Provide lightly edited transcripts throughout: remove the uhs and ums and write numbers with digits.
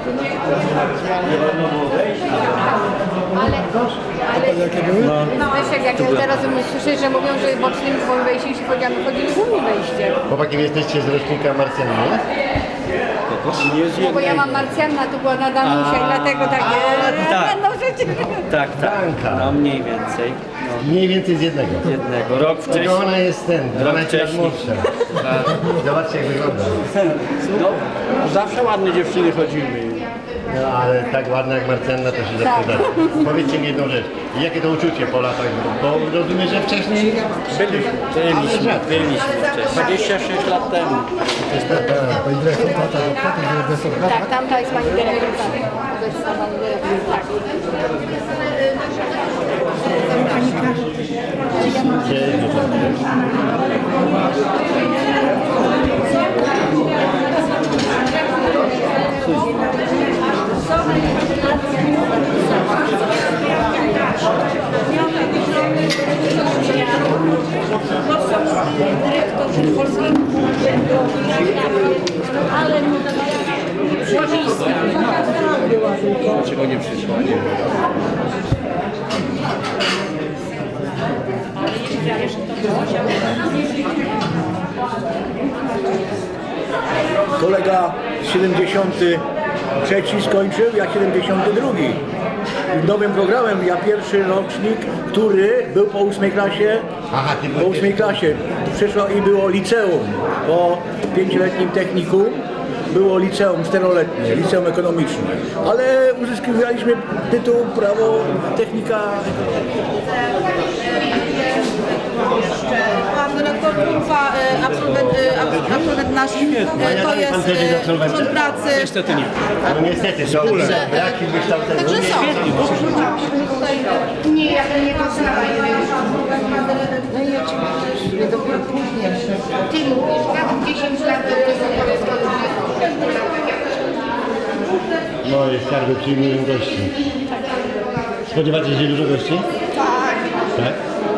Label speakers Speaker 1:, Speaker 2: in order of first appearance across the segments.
Speaker 1: Wiesz, jak ja teraz słyszę, że mówią, że bocznym wejściem się chodzimy, głównym wejściem.
Speaker 2: Chłopaki, wy jesteście z rocznika Marsjanina?
Speaker 1: No bo ja mam Marsjanna, to była na Danusia i dlatego takie...
Speaker 3: tak.
Speaker 1: No przecież...
Speaker 3: Tak, no mniej więcej. No.
Speaker 2: Mniej więcej z jednego.
Speaker 3: Rok wcześniej.
Speaker 2: Tylko ona jest 12 lat
Speaker 3: wcześniej.
Speaker 2: młodsza. Zobaczcie, jak wygląda.
Speaker 4: No, zawsze ładne dziewczyny chodzimy.
Speaker 2: No, ale tak ładna jak Marsjanna to się zawsze da. Powiedzcie mi jedną rzecz. Jakie to uczucie po latach? Bo rozumiem, że wcześniej...
Speaker 3: Byliśmy wcześniej.
Speaker 4: 26 lat temu.
Speaker 2: Pani dyrektor,
Speaker 1: Tak, tamta jest pani dyrektor. To jest pani dyrektor, tak.
Speaker 4: Dlaczego nie przyszła? Kolega 73 skończył, ja 72. Nowym programem ja pierwszy rocznik, który był po 8 klasie,
Speaker 2: Aha, ty
Speaker 4: po 8 klasie przyszło i było liceum. Po 5-letnim technikum było liceum 4-letnie, liceum ekonomiczne. Ale uzyskiwaliśmy tytuł prawo technika.
Speaker 5: Pan redaktor Kulfa, absolwent nasz, to jest urząd pracy.
Speaker 4: Niestety nie.
Speaker 2: No niestety, to braki wykształcenia.
Speaker 5: Także są.
Speaker 1: Nie, ja to nie poznaję. No i oczywiście, dopiero później. Ty mówisz, tak 10 lat do tego
Speaker 2: Moje skarby przyjmują gości. Spodziewacie się dużo gości? Tak. Tak?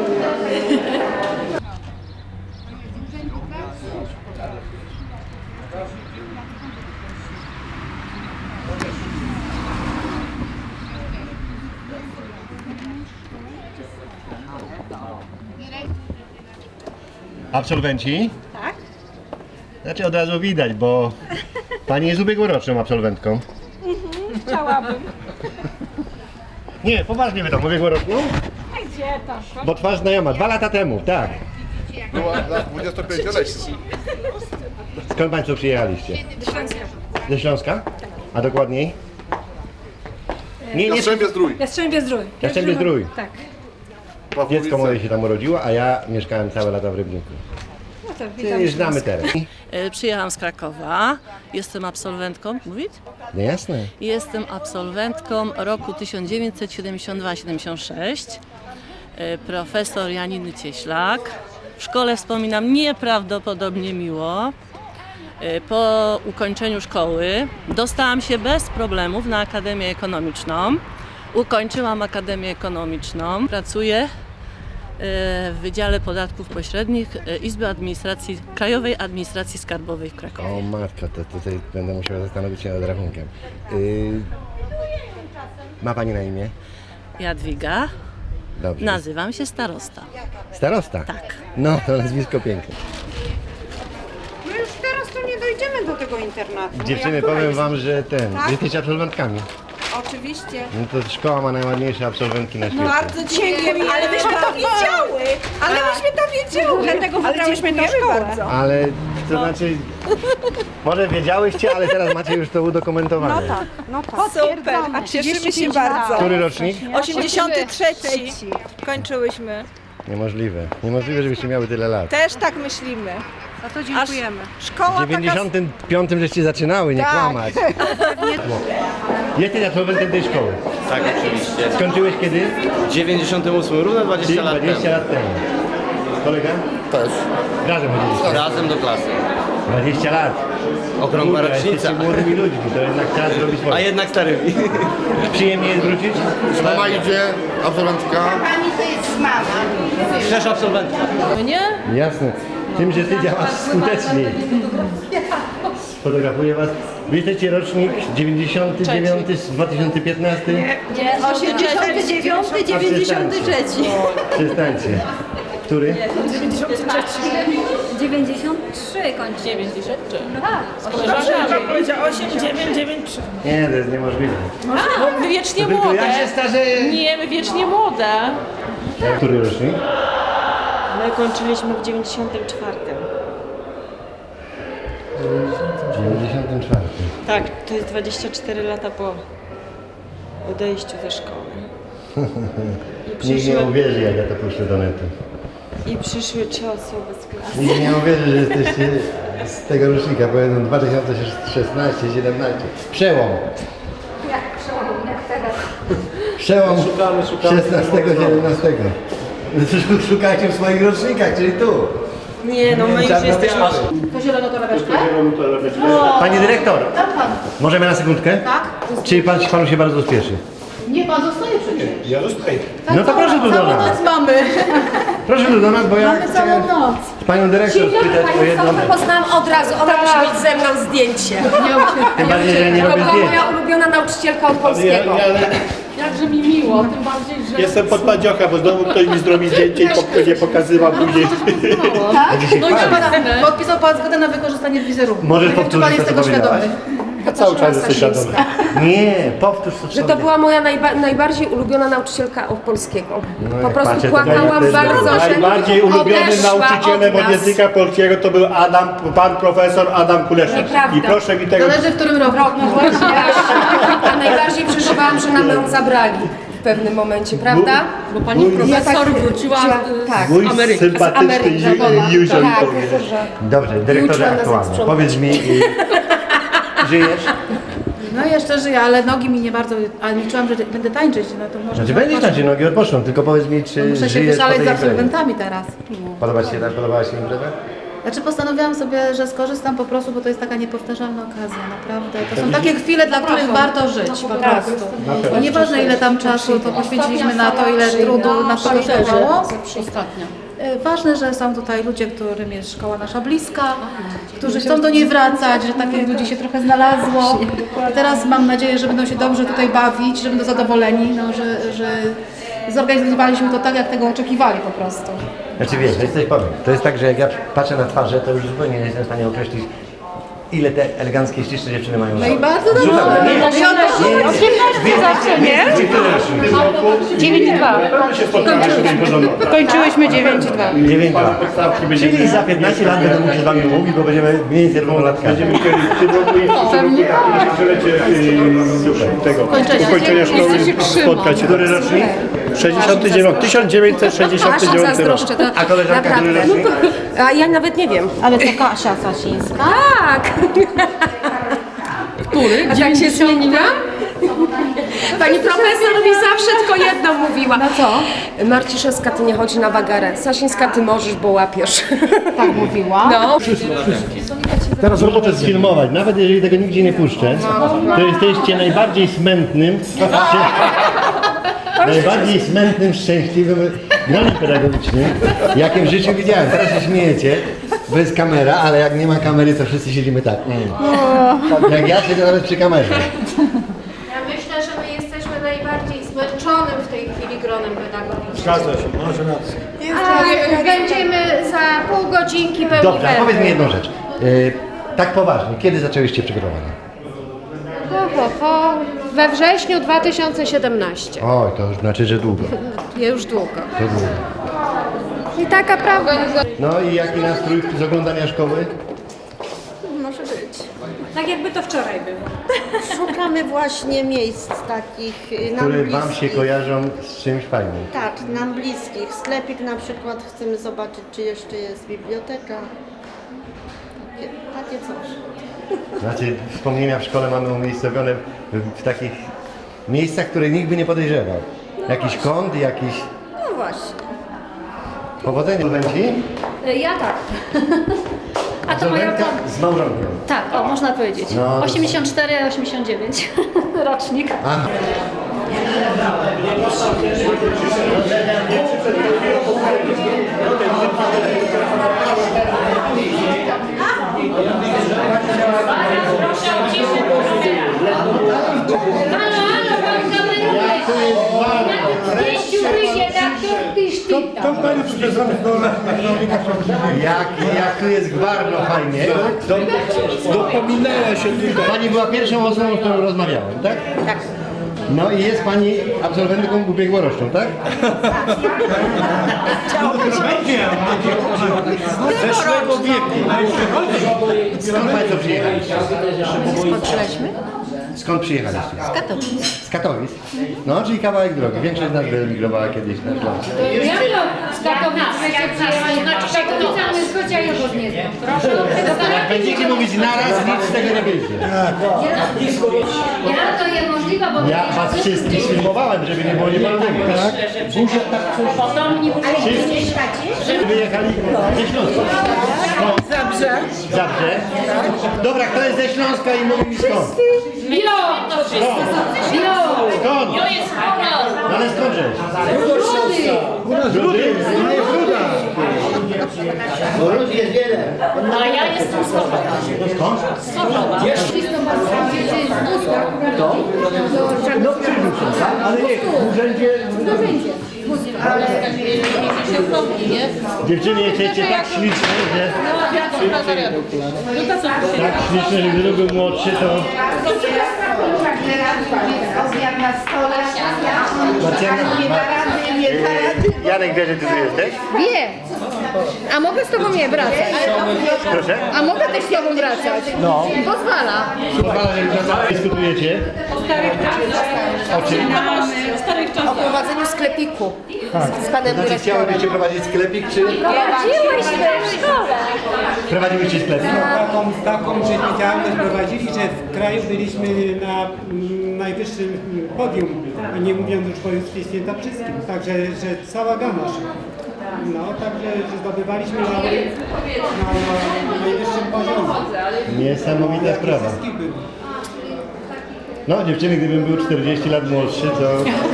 Speaker 2: Absolwenci?
Speaker 5: Tak.
Speaker 2: Znaczy od razu widać, bo pani jest ubiegłoroczną absolwentką.
Speaker 5: Chciałabym.
Speaker 2: Nie, poważnie wy to, ubiegłoroczną?
Speaker 5: Gdzie tam?
Speaker 2: Bo twarz znajoma, 2 lata temu, tak.
Speaker 6: Była dla 25-letni.
Speaker 2: Skąd państwo przyjechaliście?
Speaker 5: Do Śląska.
Speaker 2: Ze Śląska? A dokładniej? Nie, nie,
Speaker 6: Jastrzębie-Zdrój.
Speaker 5: Jastrzębie-Zdrój.
Speaker 2: Jastrzębie-Zdrój.
Speaker 5: Tak.
Speaker 2: Dziecko moje się tam urodziło, a ja mieszkałem całe lata w Rybniku.
Speaker 5: No to witam.
Speaker 2: Czyli znamy teren.
Speaker 7: Przyjechałam z Krakowa, jestem absolwentką, mówić?
Speaker 2: No jasne.
Speaker 7: Jestem absolwentką roku 1972-76, profesor Janiny Cieślak. W szkole wspominam nieprawdopodobnie miło. Po ukończeniu szkoły dostałam się bez problemów na Akademię Ekonomiczną. Ukończyłam Akademię Ekonomiczną, pracuję w Wydziale Podatków Pośrednich Izby Administracji, Krajowej Administracji Skarbowej w Krakowie.
Speaker 2: O matko, to tutaj będę musiał zastanowić się nad rachunkiem. Ma pani na imię?
Speaker 7: Jadwiga,
Speaker 2: Dobrze.
Speaker 7: nazywam się Starosta.
Speaker 2: Starosta?
Speaker 7: Tak.
Speaker 2: No, to nazwisko piękne.
Speaker 5: My już teraz tu nie dojdziemy do tego internatu.
Speaker 2: Dziewczyny, powiem wam, że jesteście absolwentkami.
Speaker 5: Oczywiście.
Speaker 2: No to szkoła ma najładniejsze absolwentki na świecie.
Speaker 5: Bardzo dziękujemy, ale myśmy to wiedziały. Ale myśmy to wiedziały. Dlatego wybrałyśmy tę szkołę.
Speaker 2: Ale to znaczy, może wiedziałyście, ale teraz macie już to udokumentowane.
Speaker 5: No tak. Super, a cieszymy się bardzo.
Speaker 2: Który rocznik?
Speaker 5: 83. Kończyłyśmy.
Speaker 2: Niemożliwe. Niemożliwe, żebyście miały tyle lat.
Speaker 5: Też tak myślimy.
Speaker 1: No to dziękujemy.
Speaker 5: Szkoła
Speaker 2: W 95 żeście zaczynały, nie
Speaker 5: Tak.
Speaker 2: kłamać. Jesteś absolwentem tej szkoły.
Speaker 3: Tak, oczywiście.
Speaker 2: Skończyłeś kiedy?
Speaker 3: W 98, równo 20
Speaker 2: Czyli
Speaker 3: lat
Speaker 2: 20
Speaker 3: temu.
Speaker 2: lat temu. Kolega?
Speaker 6: Też.
Speaker 2: Razem chodziliście.
Speaker 3: Razem do klasy.
Speaker 2: 20 lat.
Speaker 3: Okrągła
Speaker 2: Kurwa,
Speaker 3: rocznica.
Speaker 2: jesteście młodymi ludźmi, to jednak czas zrobić
Speaker 3: A
Speaker 2: swoje.
Speaker 3: jednak starymi.
Speaker 2: Przyjemnie jest wrócić?
Speaker 6: Mama idzie, absolwentka.
Speaker 1: Pani to jest mama.
Speaker 3: Też absolwentka.
Speaker 7: Nie?
Speaker 2: Jasne. Tym, że ty działasz skuteczniej. fotografuję was. Wy jesteście rocznik 99 z 2015?
Speaker 5: Nie, 89, 93.
Speaker 2: Przestańcie. Który?
Speaker 8: 93 kończy. 93.
Speaker 5: Powiedział 8, 9, 9, 3.
Speaker 2: Nie, to jest niemożliwe.
Speaker 9: Bo my wiecznie
Speaker 2: Tylko
Speaker 9: młode.
Speaker 2: ja się starzeję.
Speaker 9: Nie, my wiecznie młode.
Speaker 2: Który rocznik?
Speaker 8: My kończyliśmy w 94.
Speaker 2: 94.
Speaker 8: Tak, to jest 24 lata po odejściu ze szkoły.
Speaker 2: Nikt nie uwierzy, jak ja to puszczę do netu.
Speaker 8: I przyszły 3 osoby z klasy.
Speaker 2: Nikt nie uwierzy, że jesteście z tego rocznika, bo jeden 2016, 17. Przełom.
Speaker 1: Jak przełom, jak teraz.
Speaker 2: Przełom 16-17. Szukajcie w swoich rocznikach, czyli tu.
Speaker 8: Nie, no my już jesteśmy...
Speaker 5: To zielono to leweczkę?
Speaker 2: Pani dyrektor, możemy na sekundkę?
Speaker 5: Tak.
Speaker 2: Czy panu się bardzo spieszy?
Speaker 5: Nie, pan zostaje przecież.
Speaker 6: Ja zostaję.
Speaker 2: No to proszę tu do
Speaker 5: Całą
Speaker 2: nas.
Speaker 5: noc mamy.
Speaker 2: Proszę tu do nas, bo ja
Speaker 5: Mamy całą
Speaker 2: chcę
Speaker 5: noc.
Speaker 2: panią dyrektor spytać o jedną.
Speaker 10: Poznałam od razu, ona musi mieć ze mną zdjęcie.
Speaker 2: Tym bardziej, że ja nie
Speaker 10: To
Speaker 2: robię
Speaker 10: była
Speaker 2: zdjęć.
Speaker 10: moja ulubiona nauczycielka od polskiego.
Speaker 5: Jakże mi miło, tym bardziej, że...
Speaker 6: Jestem pod padziocha, bo znowu ktoś mi zrobi zdjęcie i nie pokazywał później.
Speaker 2: A dzisiaj
Speaker 5: No i
Speaker 2: fajnie.
Speaker 5: podpisał pan zgodę na wykorzystanie wizerunku.
Speaker 2: Możesz
Speaker 5: Nie wiem, czy
Speaker 2: powtórzyć
Speaker 5: pan jest
Speaker 2: to,
Speaker 5: tego
Speaker 2: co
Speaker 5: świadomy.
Speaker 6: Ja cały czas jestem świadomy.
Speaker 2: Nie, powtórz to.
Speaker 10: Że to była moja najbardziej ulubiona nauczycielka od polskiego.
Speaker 2: No
Speaker 10: Po
Speaker 2: jak
Speaker 10: prostu
Speaker 2: patrzę, to
Speaker 10: płakałam
Speaker 2: jest
Speaker 10: bardzo, że
Speaker 6: Najbardziej ulubionym
Speaker 10: odeszła
Speaker 6: nauczycielem
Speaker 10: od
Speaker 6: od
Speaker 10: nas.
Speaker 6: języka polskiego to był pan profesor Adam Kuleszek.
Speaker 10: Nieprawda.
Speaker 6: I proszę mi tego...
Speaker 5: Zależy w którym roku.
Speaker 10: A najbardziej przeżywałam, że nam ją zabrali w pewnym momencie, prawda?
Speaker 9: Bo pani profesor wróciła
Speaker 10: Tak.
Speaker 6: Mój
Speaker 10: z
Speaker 6: sympatyczny
Speaker 10: Ameryki.
Speaker 6: Józef
Speaker 10: Tak,
Speaker 6: powie.
Speaker 2: Dobrze,
Speaker 10: Uczyła
Speaker 2: dyrektorze
Speaker 10: nas
Speaker 2: aktualnie.
Speaker 10: sprzątać.
Speaker 2: Powiedz mi, żyjesz?
Speaker 5: No jeszcze żyję, ale nogi mi nie bardzo... A liczyłam, że będę tańczyć, no to może...
Speaker 2: Znaczy będziesz na nogi odpoczną, tylko powiedz mi, czy
Speaker 5: Muszę się
Speaker 2: żyjesz po
Speaker 5: wyszaleć
Speaker 2: tej
Speaker 5: z
Speaker 2: imprezie?
Speaker 5: absolwentami teraz.
Speaker 2: Podoba ci się tak? Podobała się impreza?
Speaker 5: Znaczy postanowiłam sobie, że skorzystam po prostu, bo to jest taka niepowtarzalna okazja, naprawdę. To są takie chwile, dla których warto żyć po prostu. I nieważne ile tam czasu to poświęciliśmy na to, ile trudu nas to kosztowało.
Speaker 9: ostatnio.
Speaker 5: Ważne, że są tutaj ludzie, którym jest szkoła nasza bliska, którzy chcą do niej wracać, że takich ludzi się trochę znalazło. I teraz mam nadzieję, że będą się dobrze tutaj bawić, że będą zadowoleni, no, że zorganizowaliśmy to tak, jak tego oczekiwali po prostu.
Speaker 2: Znaczy wiesz, coś powiem. To jest tak, że jak ja patrzę na twarze, to już zupełnie nie jestem w stanie określić, ile te eleganckie, śliczne dziewczyny mają
Speaker 5: No
Speaker 2: lat.
Speaker 5: i bardzo dobrze.
Speaker 2: Zupełnie. Nie,
Speaker 5: No i o to
Speaker 2: nie,
Speaker 5: chodzi.
Speaker 2: zawsze, nie?
Speaker 1: 9,2. Kończyłyśmy 9,2.
Speaker 2: 9,2. Czyli za 15 lat będę mógł się z wami mówić, bo będziemy mniej więcej równolatkami.
Speaker 6: Będziemy chcieli w tym roku tego ukończenia szkoły spotkać się.
Speaker 2: Który rocznik?
Speaker 6: 69, 1969
Speaker 10: Aż
Speaker 6: rok.
Speaker 10: zazdroszczę, to
Speaker 2: A koleżanka, który
Speaker 10: naprawdę.
Speaker 2: rocznik?
Speaker 10: A ja nawet nie wiem.
Speaker 1: Ale to Kasia Sasińska.
Speaker 10: Tak! Który? A tak się zmieniłam? Pani profesor mi zawsze tylko jedno mówiła.
Speaker 1: No co?
Speaker 10: Marciszewska, ty nie chodzi na wagarę. Sasińska, ty możesz, bo łapiesz.
Speaker 1: Tak mówiła.
Speaker 10: No.
Speaker 2: Teraz robotę sfilmować, nawet jeżeli tego nigdzie nie puszczę, to jesteście najbardziej smętnym, najbardziej smętnym, szczęśliwym granem pedagogicznym, jakim w życiu widziałem. Teraz się śmiejecie, bo jest kamera, ale jak nie ma kamery, to wszyscy siedzimy tak. Jak ja siedzę nawet przy kamerze.
Speaker 11: Ja myślę, że my jesteśmy najbardziej zmęczonym w tej chwili gronem pedagogicznym.
Speaker 6: Zgadza się, może rację.
Speaker 11: A będziemy za pół godzinki pełni
Speaker 2: Dobrze, a
Speaker 11: werwy.
Speaker 2: powiedz mi jedną rzecz. Tak poważnie, kiedy zaczęłyście przygotowania?
Speaker 11: We wrześniu 2017.
Speaker 2: Oj, to już znaczy, że długo.
Speaker 11: Już długo.
Speaker 2: To długo.
Speaker 11: I taka prawda.
Speaker 2: No i jaki nastrój z oglądania szkoły?
Speaker 11: Może być.
Speaker 8: Tak jakby to wczoraj było.
Speaker 1: Szukamy właśnie miejsc takich nam
Speaker 2: Które wam się
Speaker 1: bliskich.
Speaker 2: kojarzą z czymś fajnym.
Speaker 1: Tak, nam bliskich. Sklepik na przykład chcemy zobaczyć, czy jeszcze jest biblioteka. Takie coś.
Speaker 2: Znaczy, wspomnienia w szkole mamy umiejscowione w takich miejscach, które nikt by nie podejrzewał. Jakiś kąt, jakiś...
Speaker 1: No właśnie.
Speaker 2: Powodzenia, Absolwenci?
Speaker 8: Ja tak. A to moja
Speaker 2: Absolwentka z małżonkiem.
Speaker 8: Tak, o, można powiedzieć.
Speaker 2: No.
Speaker 8: 84, 89 rocznik.
Speaker 2: Aha. Jak tu jest gwarno fajnie.
Speaker 6: Dopominała się tutaj.
Speaker 2: Pani była pierwszą osobą, z którą rozmawiałem, tak? Tak. No i jest pani absolwentką ubiegłoroczną, tak?
Speaker 6: Zeszłego wieku.
Speaker 2: Skąd państwo przyjechaliście?
Speaker 1: Skąd przyszliśmy?
Speaker 2: Skąd przyjechaliście?
Speaker 1: Z Katowic.
Speaker 2: Z Katowic? No, czyli kawałek drogi. Większość z nas wyemigrowała kiedyś na Śląsk.
Speaker 11: Z Katowic
Speaker 2: Jak będziecie mówić naraz, nic z tego nie wyjdzie.
Speaker 11: Ja to jest możliwe, bo
Speaker 2: Ja was wszystkich filmowałem, żeby nie było nieporozumień. Tak? Wszyscy wyjechali ze Śląska.
Speaker 1: Zabrze.
Speaker 2: Zabrze? Dobra, kto jest ze Śląska i mówi mi skąd? Skąd? No ale skądże? Rudy? No jest Ruda. Bo Rud jest wiele.
Speaker 11: a ja jestem z Chorzowa.
Speaker 2: Skąd? No przyjdzie, tak? Ale nie, w urzędzie... Dziewczyny jesteście tak śliczne, że... Tak śliczne, że gdyby był młodszy, to...
Speaker 1: Obiad na stole.
Speaker 2: Janek wie, że ty tu jesteś?
Speaker 10: Wie. A mogę z tobą nie wracać?
Speaker 2: Proszę?
Speaker 10: A mogę też z tobą wracać?
Speaker 2: No.
Speaker 10: Pozwala.
Speaker 2: Pozwala, że dyskutujecie. O czym?
Speaker 10: O prowadzeniu sklepiku z panem
Speaker 2: Znaczy
Speaker 10: dyrektorem.
Speaker 2: chciałybyście prowadzić sklepik, czy...
Speaker 10: Prowadziłyśmy w szkole.
Speaker 2: Prowadziłyście sklepik?
Speaker 12: Taką działalność prowadzili, że w kraju byliśmy na najwyższym podium, nie mówiąc już o województwie świętokrzyskim. Także że cała gama szła. No, także że zdobywaliśmy laury na najwyższym poziomie.
Speaker 2: Niesamowita sprawa. No dziewczyny, gdybym był 40 lat młodszy, to...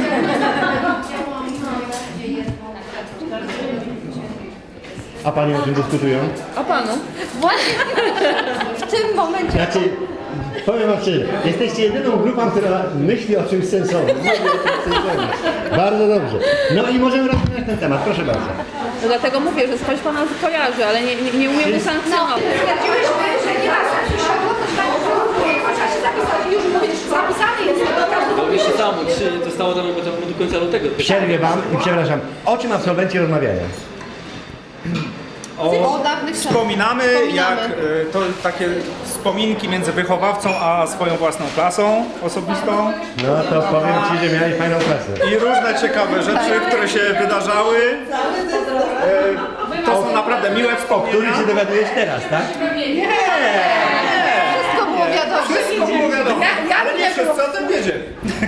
Speaker 2: A pani o czym dyskutują?
Speaker 10: O panu. Właśnie w tym momencie.
Speaker 2: Znaczy, powiem wam szczerze, jesteście jedyną grupą, która myśli o czymś sensownym. Mówi o czymś sensownym. Bardzo dobrze. No i możemy rozpocząć ten temat, proszę bardzo.
Speaker 9: No dlatego mówię, że skądś pana kojarzy, ale nie umiem usankcjonować.
Speaker 1: Stwierdziłyśmy, że nie ma sensu się chociaż już zapisany jest.
Speaker 3: Jeszcze samo, zostało tam do końca lutego.
Speaker 2: Przerwię wam i przepraszam, o czym absolwenci rozmawiają?
Speaker 13: Wspominamy, jak to takie wspominki między wychowawcą a swoją własną klasą osobistą
Speaker 2: No to powiem ci, że miałeś fajną klasę.
Speaker 13: i różne ciekawe rzeczy, które się wydarzały. To są naprawdę miłe
Speaker 2: O
Speaker 13: wspomnienia.
Speaker 2: których się dowiadujesz teraz, tak?
Speaker 10: Wszystko było wiadomo.
Speaker 13: Wszystko było wiadomo, ale nie wszyscy o tym wiedzieli.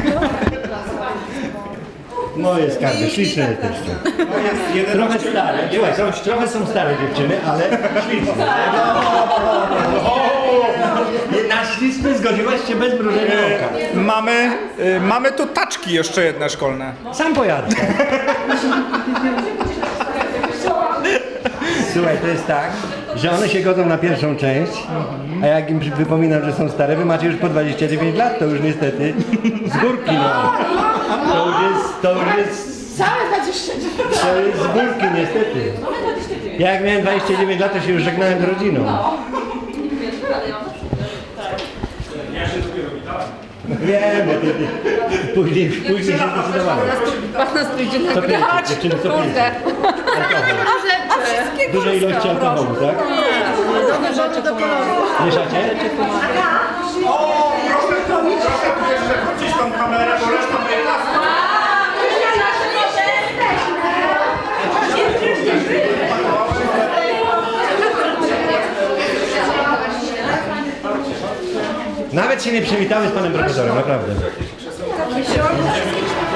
Speaker 2: Moje skarby, śliczne jesteście. Trochę stare, słuchaj, trochę są stare dziewczyny, ale śliczne. Na śliczny zgodziłaś się bez mrużenia oka.
Speaker 13: Mamy tu taczki jeszcze jedne szkolne.
Speaker 2: Sam pojadę. Słuchaj, to jest tak, że one się godzą na pierwszą część, a jak im wypominam, że są stare, wy macie już po 29 lat, to już niestety z górki, no. To już jest
Speaker 1: Całe 29.
Speaker 2: To jest z górki niestety. Ja jak miałem 29 lat, to się już żegnałem z rodziną. Wiem, bo ty później się zdecydowałem.
Speaker 10: Pan nas pójdzie
Speaker 2: Co pijecie? Dziewczyny, co pijecie? Duże ilości alkoholu, tak?
Speaker 1: Nowe rzeczy do koloru.
Speaker 2: Mieszacie?
Speaker 13: O, proszę tu jeszcze wrócić tą kamerę, bo reszta mojej klasy.
Speaker 2: Nawet się nie przywitały z panem profesorem, naprawdę.